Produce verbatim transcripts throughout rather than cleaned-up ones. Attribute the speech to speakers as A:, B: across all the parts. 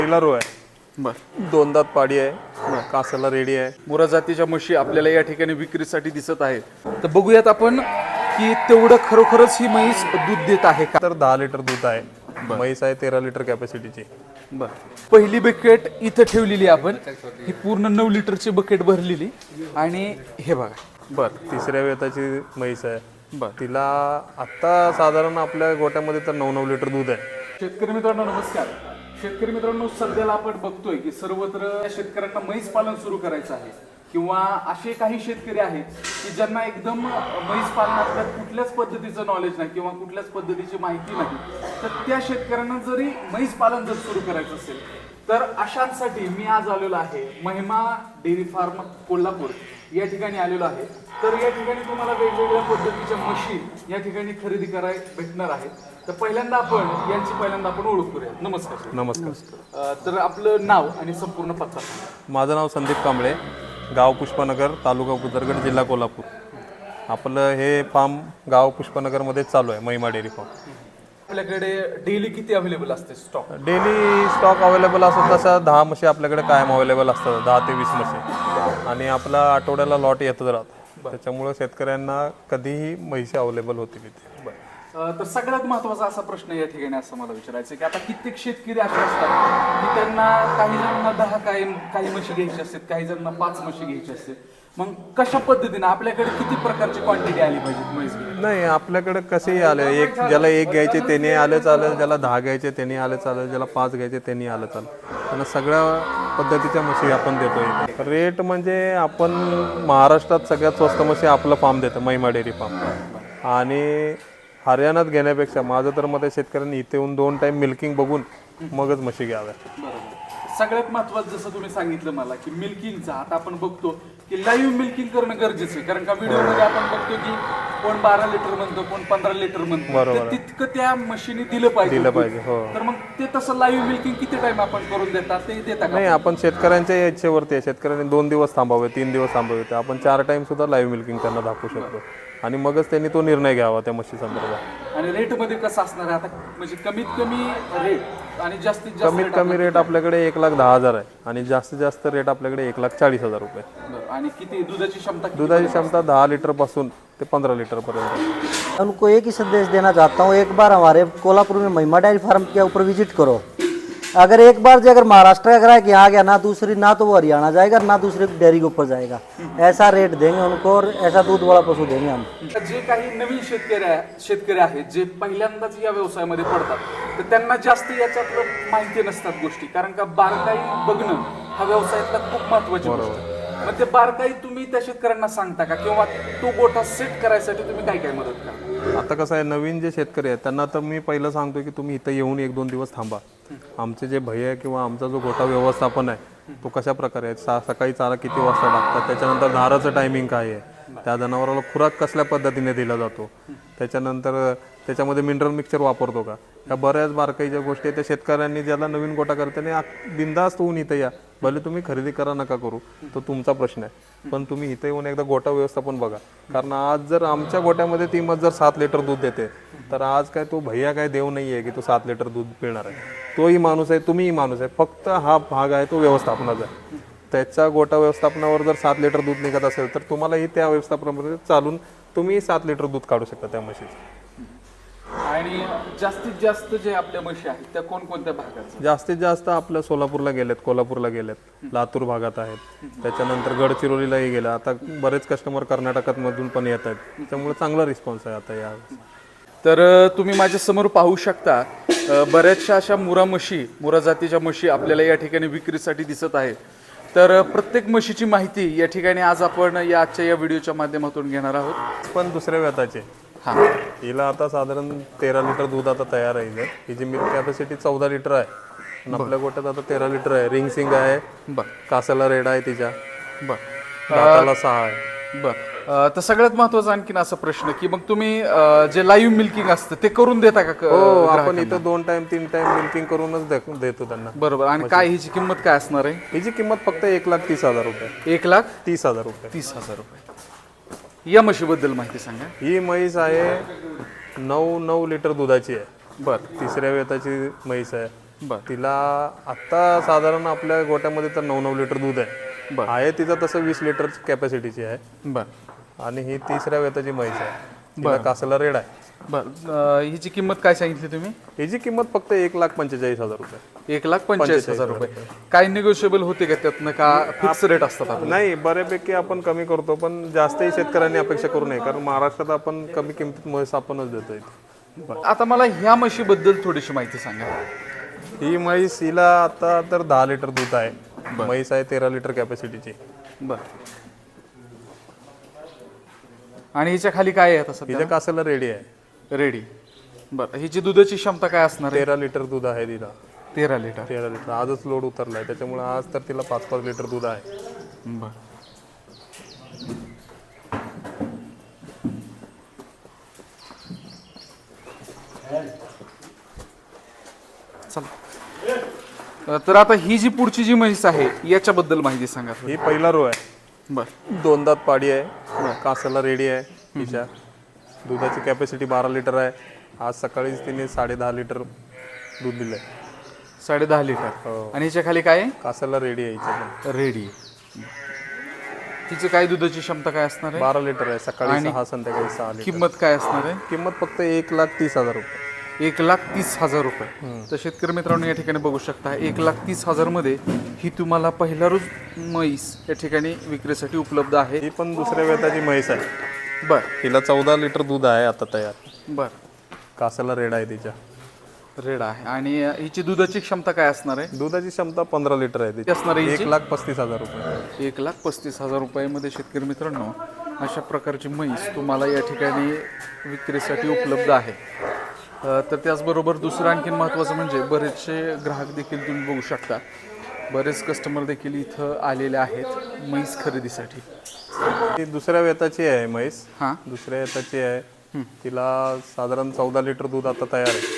A: पहिला रो आहे,
B: बर
A: दोन दात पाडी आहे, कासाला रेडी आहे.
B: मुरा जातीच्या म्हशी आपल्याला या ठिकाणी विक्रीसाठी दिसत आहेत. तर बघूयात आपण की तेवढं खरोखरच ही म्हैस दूध देत आहे का.
A: तर दहा लिटर दूध आहे. म्हैस आहे तेरा लिटर कॅपॅसिटीची.
B: बर पहिली बकेट इथं ठेवलेली आपण, ही पूर्ण नऊ लिटरची बकेट भरलेली आणि हे बघा. बर
A: तिसऱ्या वेताची म्हैस आहे.
B: बर
A: तिला आत्ता साधारण आपल्या गोट्यामध्ये तर नऊ नऊ लिटर दूध आहे.
B: शेतकरी मित्रांनो नमस्कार. शेतकरी मित्रांनो सध्याला आपण बघतोय की सर्वत्र शेतकऱ्यांना म्हैस पालन सुरू करायचं आहे किंवा असे काही शेतकरी आहेत की ज्यांना एकदम म्हैस पालनातल्या कुठल्याच पद्धतीचं नॉलेज नाही किंवा कुठल्याच पद्धतीची माहिती नाही. तर त्या शेतकऱ्यांना जरी म्हैस पालन जर सुरू करायचं असेल तर अशांसाठी मी आज आलेलो आहे महिमा डेअरी फार्म कोल्हापूर या ठिकाणी आलेलो आहे. तर या ठिकाणी तुम्हाला वेगवेगळ्या पद्धतीच्या म्हशी या ठिकाणी खरेदी कराय भेटणार आहेत. तर पहिल्यांदा आपण यांची पहिल्यांदा आपण ओळख करूया. नमस्कार.
A: नमस्कार.
B: तर आपलं नाव आणि संपूर्ण पत्ता सांगा.
A: माझं नाव संदीप कांबळे, गाव पुष्पनगर, तालुका पुतरगड, जिल्हा कोल्हापूर. आपलं हे फार्म गाव पुष्पनगरमध्ये चालू आहे, महिमा डेअरी फार्म.
B: आपल्याकडे डेली किती अवेलेबल असते स्टॉक?
A: डेली स्टॉक अवेलेबल असतो तसा दहा म्हशी आपल्याकडे कायम अवेलेबल असतात, दहा ते वीस म्हशी. आणि आपला आठवड्याला लॉट येतच राहतो, त्याच्यामुळे शेतकऱ्यांना कधीही म्हशी अवेलेबल होतील इथे.
B: तर सगळ्यात महत्वाचा असा प्रश्न या ठिकाणी असं मला विचारायचं की आता कित्येक शेतकरी असे असतात की त्यांना काही जणांना दहा काही काही म्हशी घ्यायची असतात, काही जणांना पाच म्हशी घ्यायची असते. मग कशा पद्धतीने आपल्याकडे किती प्रकारची क्वांटिटी आली पाहिजे म्हैस घ्यायला?
A: नाही, आपल्याकडे कसेही आले, एक ज्याला एक घ्यायचे त्याने आलं चालेल, ज्याला दहा घ्यायचे त्यांनी आलं चालेल, ज्याला पाच घ्यायचे त्यांनी आलं चालेल. त्यांना सगळ्या पद्धतीच्या म्हशी आपण देतो इथे. रेट म्हणजे आपण महाराष्ट्रात सगळ्यात स्वस्त म्हशी आपलं फार्म देतो, महिमा डेअरी फार्म. आणि हरियाणात घेण्यापेक्षा माझं तर मत आहे शेतकऱ्यांनी इथे येऊन दोन टाइम मिल्किंग बघून मगच म्हशी घ्याव्या.
B: सगळ्यात महत्वाचं जसं तुम्ही सांगितलं मला की मिल्किंगचा, आता आपण बघतो की लाईव्ह मिल्किंग करणं गरजेचं आहे. कारण का व्हिडिओमध्ये आपण बघतो की कोण बारा लिटर म्हणतो, कोण पंधरा लिटर म्हणतो, तर तितकं त्या म्हशीने दिलं पाहिजे
A: दिलं पाहिजे. हो.
B: तर मग ते तसं लाईव्ह मिल्किंग किती टाइम आपण करून देतात ते देता का?
A: नाही, आपण शेतकऱ्यांच्या इच्छेवरती आहे. शेतकऱ्यांनी दोन दिवस थांबावे, तीन दिवस थांबावे, तर आपण चार टाइम सुद्धा लाईव्ह मिल्किंग त्यांना दाखवू शकतो आणि मगच त्यांनी तो निर्णय घ्यावा त्या म्हशी संदर्भात.
B: आणि रेट मध्ये कसं असणार आहे आता, म्हणजे कमीत कमी रेट आणि जास्तीत जास्त
A: कमीत कमी रेट आपल्याकडे एक लाख दहा हजार आहे आणि जास्तीत जास्त रेट आपल्याकडे एक लाख चाळीस हजार रुपये.
B: आणि किती दुधाची क्षमता?
A: दुधाची क्षमता दहा लिटर पासून ते पंद्रह लीटर पर्यंत.
C: उनको एक ही संदेश देना चाहता हूँ, एक बार हमारे कोल्हापुर में महिमा डेयरी फार्म के ऊपर विजिट करो. अगर एक बार जो अगर महाराष्ट्र का ग्राहक यहाँ गया ना दूसरी ना तो वो हरियाणा जाएगा ना दूसरे डेयरी के ऊपर जाएगा. ऐसा रेट देंगे उनको और ऐसा दूध वाला पशु देंगे हम.
B: जे काही नवीन शेतकरी आहे शेतकरी आहेत जे पहिल्यांदाच या व्यवसायामध्ये पडतात तर त्यांना जास्त याच्यातलं माहिती नसतात गोष्टी. कारण का बारकाई बघणं हा व्यवसायातला खूप महत्वाची गोष्ट आहे. मग ते बारकाई तुम्ही त्या शेतकऱ्यांना सांगता का किंवा तो गोठा सेट करायसाठी तुम्ही काय काय मदत करता?
A: आता कसं आहे, नवीन जे शेतकरी आहेत त्यांना तर मी पहिलं सांगतो की तुम्ही इथं येऊन एक दोन दिवस थांबा. आमचे जे भय आहे किंवा आमचा जो गोठा व्यवस्थापन आहे तो कशा प्रकारे आहे, सा सकाळी चारा किती वाजता टाकतात, त्याच्यानंतर धाराचं टायमिंग काय आहे, त्या जनावराला खुराक कसल्या पद्धतीने दिला जातो, त्याच्यानंतर त्याच्यामध्ये मिनरल मिक्सचर वापरतो का, ह्या बऱ्याच बारकाईच्या गोष्टी आहेत. त्या शेतकऱ्यांनी ज्याला नवीन गोठा करताना बिनधास्त होऊन इथं या, भले तुम्ही खरेदी करा नका करू तो तुमचा प्रश्न आहे, पण तुम्ही इथं येऊन एकदा गोठा व्यवस्थापन बघा. कारण आज जर आमच्या गोठ्यामध्ये ती मत जर सात लिटर दूध देते तर आज काय तो भैया काय देव नाही आहे की तो सात लिटर दूध पिणार आहे. तोही माणूस आहे, तुम्हीही माणूस आहे, फक्त हा भाग आहे तो व्यवस्थापनाचा आहे. त्याच्या गोठा व्यवस्थापनावर जर सात लिटर दूध निघत असेल तर तुम्हालाही त्या व्यवस्थापनामध्ये चालून तुम्ही सात लिटर दूध काढू शकता त्या म्हशीचं.
B: आणि जास्तीत जास्त जे आपल्या म्हशी आहेत त्या कोणकोणत्या भागात?
A: जास्तीत जास्त आपल्या सोलापूरला गेलेत, कोल्हापूरला गेलेत, लातूर भागात आहेत, त्याच्यानंतर गडचिरोलीलाही गेलं. आता बरेच कस्टमर कर्नाटकात मधून पण येत आहेत, त्यामुळे चांगला रिस्पॉन्स आहे आता या.
B: तर तुम्ही माझ्या समोर पाहू शकता बऱ्याचशा अशा मुरा म्हशी, मुरा जातीच्या म्हशी आपल्याला या ठिकाणी विक्रीसाठी दिसत आहेत. तर प्रत्येक म्हशीची माहिती या ठिकाणी आज आपण या आजच्या या व्हिडिओच्या माध्यमातून घेणार आहोत.
A: पण दुसऱ्या व्यताचे
B: हां,
A: हिला आता साधारण तेरा लिटर दूध आता तयार आहे. हिची मिल्क कॅपॅसिटी चौदा लिटर आहे आणि आपल्या गोट्यात आता तेरा लिटर आहे. रिंग सिंग आहे,
B: बर
A: कासाला रेड आहे, तिच्या
B: बर
A: दाताला सहा आहे.
B: बर तर सगळ्यात महत्वाचा आणखीन असा प्रश्न की मग तुम्ही जे लाईव्ह मिल्किंग असतं ते करून देता का?
A: हो, आपण इथं दोन टाइम तीन टाइम मिल्किंग करूनच दे- देतो त्यांना.
B: बरोबर. आणि काय हिची किंमत काय असणार आहे?
A: हिची किंमत फक्त एक लाख तीस हजार रुपये.
B: एक लाख
A: तीस हजार रुपये
B: तीस हजार रुपये. या म्हशीबद्दल माहिती सांगा.
A: ही म्हैस आहे नऊ नऊ लिटर दुधाची आहे.
B: बर
A: तिसऱ्या वेताची म्हैस आहे.
B: बर
A: तिला आत्ता साधारण आपल्या गोट्यामध्ये तर नऊ नऊ लिटर दूध आहे.
B: बर
A: आहे तिचं तसं वीस लिटर कॅपॅसिटीची आहे.
B: बर
A: आणि ही तिसऱ्या वेताची म्हैस आहे. तिला कासला रेड आहे.
B: बर हिची किंमत काय सांगितली तुम्ही?
A: हिची किंमत फक्त एक लाख पंचेचाळीस हजार रुपये.
B: एक लाख पंचेचाळीस हजार रुपये. काय निगोशिएबल होते का त्यातनं का फिक्स रेट असतात आपले?
A: नाही, बऱ्यापैकी आपण कमी करतो, पण जास्तही शेतकऱ्यांनी अपेक्षा करू नये, कारण महाराष्ट्रात आपण कमी किमतीत म्हैस आपणच देतोय.
B: बरं. आता मला ह्या म्हशीबद्दल थोडीशी माहिती सांगा.
A: ही म्हैस हिला आता तर दहा लिटर दूध आहे. म्हैस आहे तेरा लिटर कॅपॅसिटीची.
B: बर आणि हिच्या खाली काय आहे आता सध्या?
A: हिच्या कासाला रेडी आहे.
B: रेडी. बरं हिची दुधाची क्षमता काय असणार आहे?
A: तेरा लिटर दूध आहे तिला.
B: तेरा लिटर.
A: तेरा लिटर आजच लोड उतरलाय, त्याच्यामुळे आज तर तिला पाच पाच लिटर दूध आहे.
B: बर चला. तर आता ही जी पुढची जी म्हैस आहे याच्याबद्दल माहिती सांगा.
A: ही पहिला रो आहे.
B: बर
A: दोन दात पाडी आहे. कासाला रेडी आहे. हिच्या दुधाची कॅपॅसिटी बारा लिटर आहे. आज सकाळीच तिने साडे दहा लिटर दूध दिलंय.
B: साडे दहा लिटर. आणि हिच्या खाली काय आहे?
A: कासाला रेडी आहे. हिच्या
B: रेडी. तिची काय दुधाची क्षमता काय असणार आहे?
A: बारा लिटर आहे. सकाळी सहा संध्याकाळी सहा लिटर.
B: किंमत काय असणार आहे?
A: किंमत फक्त एक लाख तीस हजार रुपये.
B: एक लाख तीस हजार रुपये. तर शेतकरी मित्रांनो या ठिकाणी बघू शकता एक लाख तीस हजार मध्ये ही तुम्हाला पहिला रोज म्हैस या ठिकाणी विक्रीसाठी उपलब्ध आहे.
A: ही पण दुसऱ्या वेताची म्हैस आहे.
B: बर
A: हिला चौदा लिटर दूध आहे आता तयार.
B: बर
A: कासाला रेड आहे तिच्या.
B: रेड आहे. आणि हिची दुधाची क्षमता काय असणार आहे?
A: दुधाची क्षमता पंधरा लिटर आहे तिची.
B: असणार आहे
A: एक
B: हिची?
A: लाख पस्तीस हजार रुपये.
B: एक लाख पस्तीस हजार रुपयामध्ये शेतकरी मित्रांनो अशा प्रकारची म्हैस तुम्हाला या ठिकाणी विक्रीसाठी उपलब्ध आहे. अ, तर त्याचबरोबर दुसरं आणखीन महत्त्वाचं म्हणजे बरेचसे ग्राहक देखील तुम्ही बघू शकता. बरेच कस्टमर देखील इथं आलेले आहेत म्हैस खरेदीसाठी.
A: ती दुसऱ्या वेताची आहे म्हैस.
B: हां
A: दुसऱ्या वेताची आहे. तिला साधारण चौदा लिटर दूध आता तयार आहे.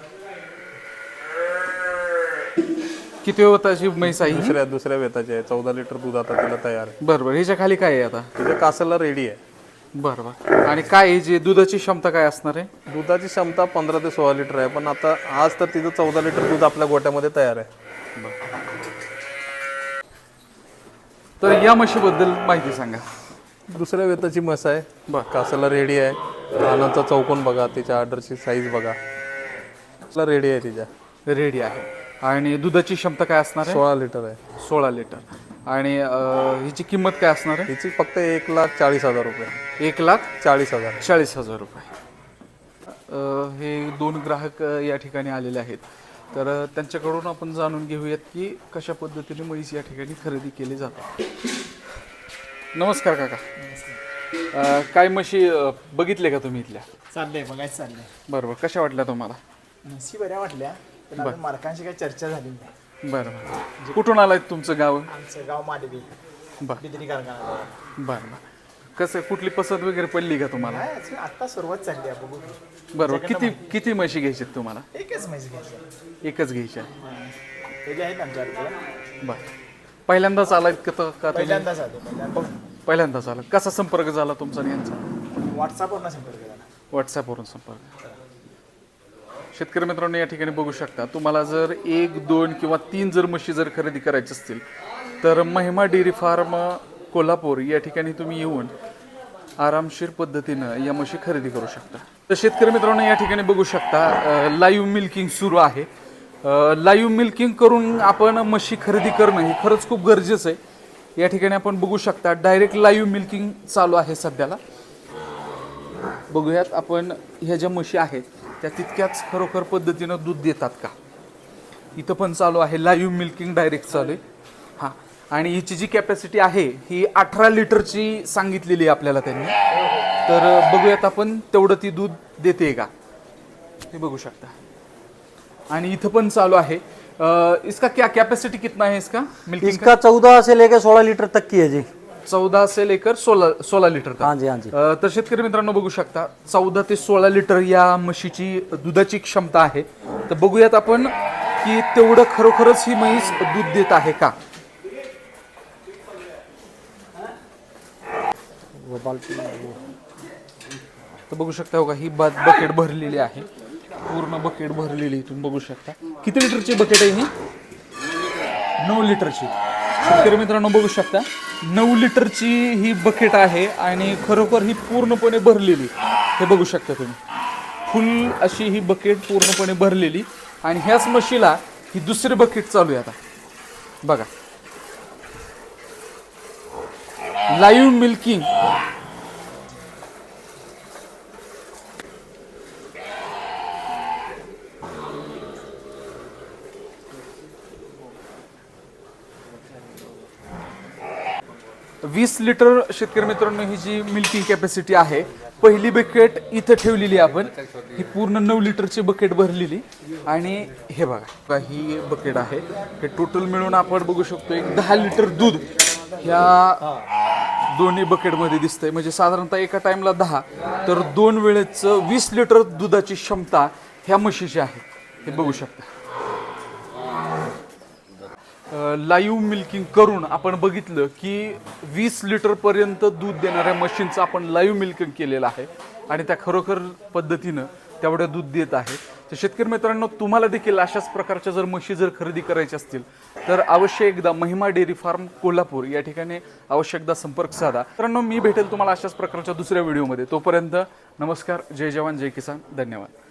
B: किती वेताची म्हैस आहे?
A: दुसऱ्या दुसऱ्या वेताची आहे. चौदा लिटर दूध आता तिला तयार आहे.
B: बरं बरं हिच्या खाली काय आहे आता?
A: तिच्या कासाला रेडी आहे.
B: बरं बरं. आणि काय जी दुधाची क्षमता काय असणार आहे?
A: दुधाची क्षमता पंधरा ते सोळा लिटर आहे, पण आता आज तर तिचं चौदा लिटर दूध आपल्या गोट्यामध्ये तयार आहे.
B: तर या म्हशीबद्दल माहिती सांगा.
A: दुसऱ्या वेताची म्हस आहे.
B: बर
A: कासाला रेडी आहे. रानाचा चौकोन बघा, तिच्या ऑर्डरची साईज बघा. रेडी आहे तिच्या.
B: रेडी आहे. आणि दुधाची क्षमता काय असणार आहे?
A: सोळा लिटर आहे.
B: सोळा लिटर. आणि अं, हिची किंमत काय असणार आहे?
A: हिची फक्त एक लाख चाळीस हजार रुपये.
B: एक लाख
A: चाळीस हजार
B: चाळीस हजार रुपये. अं, हे दोन ग्राहक अं, या ठिकाणी आलेले आहेत. तर अं, त्यांच्याकडून आपण जाणून घेऊयात की कशा पद्धतीने म्हैस या ठिकाणी खरेदी केली जाते. नमस्कार काका. अं, काय म्हशी अं, बघितले का तुम्ही इथल्या?
D: चाललंय बघायचं चाललंय.
B: बरोबर. कशा वाटल्या तुम्हाला?
D: म्हशी बऱ्या वाटल्या, पण अजून मालकांशी काही चर्चा झाली नाही.
B: बरं बरं. कुठून आलाय तुमचं गाव?
D: आमचं गाव माडवी,
B: बरं
D: बिदरी कारखाना.
B: बरं बरं. कसं कुठली पसंत वगैरे पडली का तुम्हाला?
D: काय अजून आता सुरुवात चालली आहे, बघू.
B: बरोबर. किती किती म्हशी घ्यायची तुम्हाला?
D: एकच म्हैस घ्यायची.
B: एकच घ्यायच्या.
D: त्याचे आहेत आमच्याकडे.
B: बरं. पहिल्यांदाच आलात का तो- का तुम्ही?
D: पहिल्यांदाच आले, पहिल्यांदा
B: पहिल्यांदाच आला. कसा संपर्क झाला तुमचा आणि यांचा?
D: व्हॉट्सअपवरनं संपर्क झाला.
B: व्हॉट्सॲपवरून संपर्क. शेतकरी मित्रांनो या ठिकाणी बघू शकता. तुम्हाला जर एक दोन किंवा तीन जर म्हशी जर खरेदी करायची असतील तर महिमा डेअरी फार्म कोल्हापूर या ठिकाणी तुम्ही येऊन आरामशीर पद्धतीनं या म्हशी खरेदी करू शकता. तर शेतकरी मित्रांनो या ठिकाणी बघू शकता लाईव्ह मिल्किंग सुरू आहे. लाईव्ह मिल्किंग करून आपण म्हशी खरेदी करणं हे खरंच खूप गरजेचं आहे. या ठिकाणी आपण बघू शकता डायरेक्ट लाईव्ह मिल्किंग चालू आहे सध्याला. बघूयात आपण ह्या ज्या म्हशी आहेत त्या तितक्याच खरोखर पद्धतीनं दूध देतात का. इथं पण चालू आहे लाईव्ह मिल्किंग, डायरेक्ट चालू आहे. हां. आणि हिची जी कॅपॅसिटी आहे ही अठरा लिटरची सांगितलेली आहे आपल्याला त्यांनी. तर बघूयात आपण तेवढं ती दूध देते का हे बघू शकता. आणि इथं पण चालू आहे. अ, इसका क्या कैपेसिटी कितना है इसका मिल्किंग?
C: इसका चौदह से लेकर सोलह लीटर तक की है जी.
B: चौदा से लेकर सोळा सोळा लिटर का?
C: हाँ जी हाँ जी.
B: अ, तर शेतकरी मित्रांनो बघू शकता चौदा ते सोळा लिटर या म्हशीची दुधाची क्षमता आहे. तर बघूयात आपण की तेवढं खरोखरच ही म्हैस दूध देत आहे का. तर बघू शकता हो का ही बकेट भरलेली आहे. पूर्ण बकेट भरलेली तुम्ही बघू शकता. किती लिटरची बकेट आहे ही? नऊ लिटरची. शेतकरी मित्रांनो बघू शकता नऊ लिटरची ही बकेट आहे आणि खरोखर ही पूर्णपणे भरलेली. हे बघू शकता तुम्ही फुल अशी ही बकेट पूर्णपणे भरलेली आणि ह्याच म्हशीला ही दुसरी बकेट चालू आहे आता बघा. Live milking. वीस लिटर शेतकरी मित्रांनो ही जी मिल्किंग कॅपॅसिटी आहे. पहिली बकेट इथं ठेवलेली आपण. ही पूर्ण नऊ लिटरची बकेट भरलेली आणि हे बघा ही बकेट आहे. हे टोटल मिळून आपण बघू शकतो एक दहा लिटर दूध ह्या दोन्ही बकेटमध्ये दिसतंय. म्हणजे साधारणतः एका टाइमला दहा तर दोन वेळेचं वीस लिटर दुधाची क्षमता ह्या म्हशीची आहे. हे बघू शकता. लाईव्ह मिल्किंग करून आपण बघितलं की वीस लिटरपर्यंत दूध देणाऱ्या मशीनचं आपण लाईव्ह मिल्किंग केलेलं आहे आणि त्या खरोखर पद्धतीनं तेवढं दूध देत आहे. तर शेतकरी मित्रांनो तुम्हाला देखील अशाच प्रकारच्या जर म्हशी जर खरेदी करायच्या असतील तर अवश्य एकदा महिमा डेअरी फार्म कोल्हापूर या ठिकाणी अवश्य एकदा संपर्क साधा. मित्रांनो मी भेटेल तुम्हाला अशाच प्रकारच्या दुसऱ्या व्हिडिओमध्ये. तोपर्यंत नमस्कार. जय जवान जय किसान. धन्यवाद.